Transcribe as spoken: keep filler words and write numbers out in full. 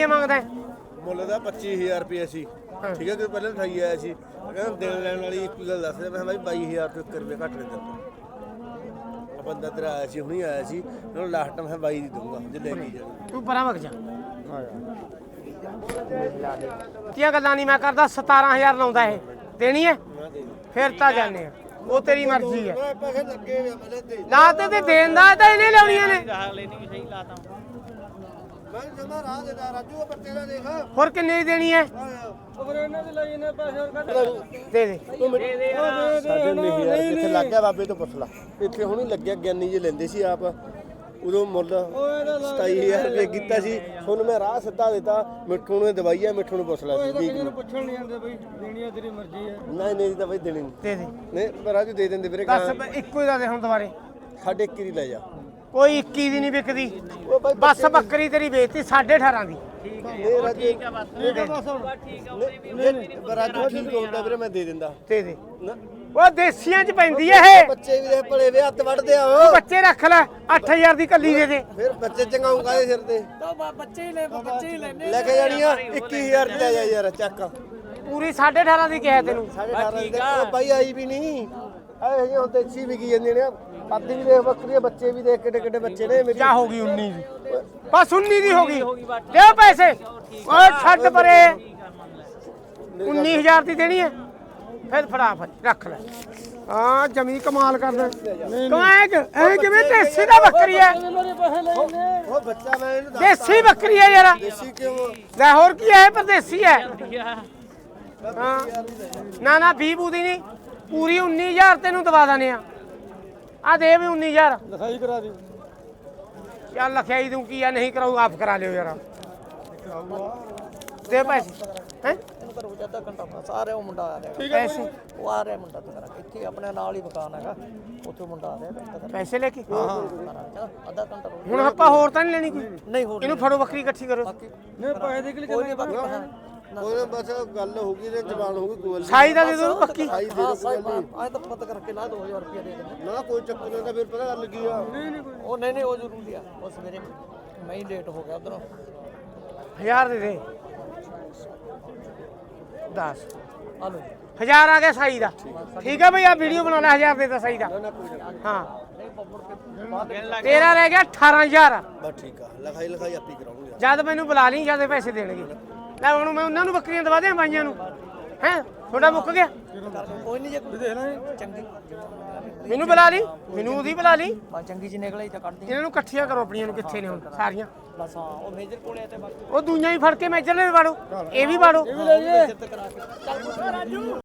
ਮੰਗਦਾ ਮੁੱਲ ਦਾ ਪੱਚੀ ਹਜ਼ਾਰ ਰੁਪਏ ਸੀ। ਠੀਕ ਹੈ ਕਿ ਪਹਿਲਾਂ ਅਠਾਈ ਆਇਆ ਸੀ, ਕਹਿੰਦਾ ਦੇਣ ਲੈਣ ਵਾਲੀ ਇੱਕ ਗੱਲ ਦੱਸ ਰਿਹਾ, ਮੈਂ ਕਿਹਾ ਬਾਈ ਬਾਈ ਹਜ਼ਾਰ ਤੋਂ ਇੱਕ ਰੁਪਏ ਘੱਟ ਨਹੀਂ ਦਿੰਦਾ। ਆ ਬੰਦਾ ਤੇਰਾ ਆਇਆ ਸੀ, ਹੁਣੀ ਆਇਆ ਸੀ, ਉਹਨੂੰ ਲਾਸਟ ਮੈਂ ਬਾਈ ਦੀ ਦਊਂਗਾ ਜੇ ਲੈ ਕੇ ਜਾਣਾ। ਤੂੰ ਪਰਾਂ ਵਗ ਜਾ। ਕੀਆਂ ਗੱਲਾਂ ਨਹੀਂ ਮੈਂ ਕਰਦਾ। ਸਤਾਰਾਂ ਹਜ਼ਾਰ ਲਾਉਂਦਾ ਇਹ ਦੇਣੀ ਹੈ ਫਿਰ ਤਾਂ ਜਾਣੇ ਆ, ਉਹ ਤੇਰੀ ਮਰਜ਼ੀ ਹੈ। ਪੈਸੇ ਲੱਗੇ ਹੋਏ ਮੈਨੇ ਤੇ ਲਾ ਤੇ ਤੇ ਦੇਣ ਦਾ ਤਾਂ ਇਹਨੇ ਲਾਉਣੀਆਂ ਨੇ। ਮੈਂ ਜਮਾ ਰਾਹ ਦੇ ਦਾ ਰਾਜੂ ਪਰ ਤੇਰਾ ਦੇਖ ਹੋਰ ਕਿੰਨੇ ਦੀ ਦੇਣੀ ਹੈ? ਉਹ ਇਹਨਾਂ ਦੇ ਲਈ ਇਹਨੇ ਪੈਸੇ ਹੋਰ ਕੱਢ ਦੇ ਦੇ ਸਾਡੇ ਨਹੀਂ ਯਾਰ ਕਿੱਥੇ ਲੱਗ ਗਿਆ ਬਾਬੇ ਤੋਂ ਪੁੱਛ ਲਾ। ਇੱਥੇ ਹੁਣੀ ਲੱਗਿਆ ਗਿਆਨੀ ਜੀ ਲੈਂਦੇ ਸੀ ਆਪ, ਉਦੋਂ ਮੁੱਲ ਸਤਾਈ ਹਜ਼ਾਰ ਰੁਪਏ ਕੀਤਾ ਸੀ। ਹੁਣ ਮੈਂ ਰਾਹ ਸਿੱਧਾ ਦਿੱਤਾ, ਮਿੱਠੂ ਨੂੰ ਦਵਾਈ ਆ, ਮਿੱਠੂ ਨੂੰ ਪੁੱਛ ਲੈ ਸੀ ਜੀ ਪੁੱਛਣ ਨਹੀਂ ਆਉਂਦੇ ਬਈ, ਦੇਣੀ ਆ ਤੇਰੀ ਮਰਜ਼ੀ ਹੈ। ਨਹੀਂ ਨਹੀਂ ਤਾਂ ਬਈ ਦੇਣੀ ਨਹੀਂ। ਦੇ ਦੇ ਨਹੀਂ ਪਰ ਰਾਜੂ ਦੇ ਦਿੰਦੇ ਵੀਰੇ। ਦੱਸ ਇੱਕੋ ਹੀ ਦਾ ਦੇ ਹੁਣ ਦੁਬਾਰੇ। ਸਾਡੇ ਇੱਕੀ ਦੀ ਲੈ ਜਾ। ਕੋਈ ਇੱਕੀ ਦੀ ਨਹੀਂ ਵਿਕਦੀ, ਉਹ ਬਾਈ ਬਸ ਬੱਕਰੀ ਤੇਰੀ ਵੇਚਤੀ ਸਾਢੇ ਅਠਾਰਾਂ ਦੀ। ਠੀਕ ਹੈ ਠੀਕ ਹੈ ਬਸ ਠੀਕ ਹੈ ਬਸ ਹੁਣ ਠੀਕ ਹੈ ਉਹਦੇ ਰਾਜੂ ਠੀਕ ਹੁੰਦਾ ਵੀਰੇ, ਮੈਂ ਦੇ ਦਿੰਦਾ। ਦੇ ਦੇ ਨਾ ਉਹ ਦੇਸੀਆਂ ਚ ਪੈਂਦੀ ਐ ਇਹ। ਬੱਚੇ ਵੀ ਦੇ ਭਲੇ ਵੇ ਹੱਥ ਵੱਢਦੇ ਆ ਉਹ। ਬੱਚੇ ਰੱਖ ਲੈ, ਅੱਠ ਹਜ਼ਾਰ ਦੀ ਕੱਲੀ ਦੇ ਦੇ। ਫਿਰ ਬੱਚੇ ਚੰਗਾਉਂਗਾ ਦੇ ਸਿਰ ਤੇ ਬੱਚੇ ਹੀ ਲੈ ਬੱਚੇ ਹੀ ਲੈਣੇ ਲੈ ਕੇ ਜਾਣੀ ਆ। ਇੱਕੀ ਹਜ਼ਾਰ ਦੀ ਲੈ ਜਾ ਯਾਰ ਚੱਕ। ਪੂਰੀ ਸਾਢੇ ਅਠਾਰਾਂ ਦੀ ਕਿਹਾ ਤੈਨੂੰ। ਸਾਢੇ ਅਠਾਰਾਂ ਦੀ ਉਹ ਬਾਈ ਆਈ ਵੀ ਨਹੀਂ ਆਏ ਹਜੇ ਹੁਣ ਤੇ ਅੱਛੀ ਵਿਕੀ ਜਾਂਦੇ ਨੇ। ਅੱਧੀ ਵੀ ਦੇਖ ਬੱਕਰੀ, ਬੱਚੇ ਵੀ ਦੇਖ ਕਿੱਡੇ ਕਿੱਡੇ ਬੱਚੇ ਨੇ। ਮੇਰੀ ਕਿਆ ਹੋ ਗਈ ਉੱਨੀ ਦੀ? ਬਸ ਉੱਨੀ ਦੀ ਹੋ ਗਈ। ਦਿਓ ਪੈਸੇ। ਓਏ ਛੱਡ ਪਰੇ। ਉੱਨੀ ਹਜ਼ਾਰ ਦੀ ਦੇਣੀ ਹੈ ਫਿਰ ਫੜਾ ਫਿਰ ਰੱਖ ਲੈ। ਹਾਂ ਜਮੀ ਕਮਾਲ ਕਰਦਾ। ਕਮਾਇਕ ਐ ਕਿਵੇਂ ਦੇਸੀ ਦਾ ਬੱਕਰੀ ਹੈ? ਉਹ ਬੱਚਾ ਮੈਂ ਇਹਨੂੰ ਦੱਸ ਦੇਸੀ ਬੱਕਰੀ ਹੈ ਯਾਰ। ਦੇਸੀ ਕਿਉਂ ਲੈ ਹੋਰ ਕੀ ਹੈ, ਪਰਦੇਸੀ ਹੈ। ਹਾਂ ਨਾ ਨਾ ਵੀਹ ਬੂਦੀ ਨਹੀਂ, ਪੂਰੀ ਉੱਨੀ ਹਜ਼ਾਰ ਤੈਨੂੰ ਦਵਾ ਦਾਨੇ ਆ। ਆ ਦੇ ਵੀ ਉੱਨੀ ਹਜ਼ਾਰ ਲਿਖਾਈ ਕਰਾ ਦੀ। ਚੱਲ ਲਖਿਆਈ ਤੂੰ ਕੀ ਆ, ਨਹੀਂ ਕਰਾਊ ਆਪ ਕਰਾ ਲਿਓ ਯਾਰ। ਦੇ ਪੈਸੇ ਹੈ ਇਹਨੂੰ ਕਰੋ ਅੱਧਾ ਘੰਟਾ ਬਸ ਆ ਰਿਹਾ ਉਹ ਮੁੰਡਾ ਆ ਰਿਹਾ। ਪੈਸੇ ਉਹ ਆ ਰਿਹਾ ਮੁੰਡਾ ਤੇਰਾ, ਇੱਥੇ ਆਪਣੇ ਨਾਲ ਹੀ ਮਕਾਨ ਹੈਗਾ, ਉੱਥੇ ਮੁੰਡਾ ਆ ਰਿਹਾ। ਪੈਸੇ ਲੈ ਕੇ ਹਾਂ ਹਾਂ ਅੱਧਾ ਘੰਟਾ ਰੁਕ। ਹੁਣ ਆਪਾਂ ਹੋਰ ਤਾਂ ਨਹੀਂ ਲੈਣੀ ਕੋਈ? ਨਹੀਂ ਹੋਰ ਇਹਨੂੰ ਫੜੋ, ਬੱਕਰੀ ਇਕੱਠੀ ਕਰੋ। ਨਹੀਂ ਪੈਸੇ ਦੇ ਕੇ ਕੋਈ ਨਹੀਂ ਬਾਕੀ ਉਹਨੇ ਬਸ ਗੱਲ ਹੋ ਗਈ ਤੇ ਜ਼ਬਾਨ ਹੋ ਗਈ ਗੋਲ। ਸਾਈ ਦਾ ਦੇ ਦੋ ਪੱਕੀ। ਸਾਈ ਦੇ ਦੋ ਕੋਈ ਗੱਲ ਆਏ ਤਾਂ ਪਤਾ ਕਰਕੇ ਲਾ ਦੋ ਹਜ਼ਾਰ ਰੁਪਏ ਦੇ ਦੇ। ਨਾ ਕੋਈ ਚੱਕਰ ਨਹੀਂ ਤਾਂ ਫਿਰ ਪਤਾ ਗੱਲ ਕੀ ਆ। ਉਹ ਨਹੀਂ ਨਹੀਂ ਉਹ ਜ਼ਰੂਰੀ ਆ, ਉਹ ਸਵੇਰੇ ਮੈਂ ਹੀ ਲੇਟ ਹੋ ਗਿਆ ਉਧਰੋਂ। ਹਜ਼ਾਰ ਦੇ ਦੇ। ਦਸ ਆ ਲੋ ਹਜ਼ਾਰ ਆ ਗਿਆ ਸਾਈ ਦਾ। ਠੀਕ ਹੈ ਬਈ, ਆ ਵੀਡੀਓ ਬਣਾ ਲੈ। ਹਜ਼ਾਰ ਦੇ ਦਾ ਸਾਈ ਦਾ। ਹਾਂ ਤੇਰਾ ਰਹਿ ਗਿਆ ਅਠਾਰਾਂ ਹਜ਼ਾਰ। ਬਸ ਠੀਕ ਆ, ਲਿਖਾਈ ਲਿਖਾਈ ਆਪੀ ਕਰਾਉਂਗੇ। ਜਦ ਮੈਨੂੰ ਬੁਲਾ ਲਈ, ਜਦ ਪੈਸੇ ਦੇਣਗੇ। ਲੈ ਹੁਣ ਮੈਂ ਉਹਨਾਂ ਨੂੰ ਬੱਕਰੀਆਂ ਦਵਾ ਦਿਆਂ ਬਾਈਆਂ ਨੂੰ। ਹੈ ਤੁਹਾਡਾ ਮੁੱਕ ਗਿਆ? ਕੋਈ ਨਹੀਂ ਜੇ ਕੋਈ ਦੇਖ ਲੈ ਚੰਗੀ ਮੈਨੂੰ ਬੁਲਾ ਲਈ, ਮੈਨੂੰ ਉਹਦੀ ਬੁਲਾ ਲਈ। ਬਾ ਚੰਗੀ ਚ ਨਿਕਲੇ ਤਾਂ ਕੱਢ ਦੇ। ਇਹਨਾਂ ਨੂੰ ਇਕੱਠੀਆਂ ਕਰੋ ਆਪਣੀਆਂ ਨੂੰ। ਕਿੱਥੇ ਨੇ ਹੁਣ ਸਾਰੀਆਂ? ਬਸ ਹਾਂ ਉਹ ਮੇਜਰ ਕੋਲੇ ਤੇ ਬਾਕੀ ਉਹ ਦੂਈਆਂ ਹੀ ਫੜ ਕੇ ਮੈਜਰ ਨੇ ਵੀ ਵਾੜੋ, ਇਹ ਵੀ ਵਾੜੋ। ਮੇਜਰ ਤੇ ਕਰਾ ਕੇ ਚੱਲ ਰਾਜੂ।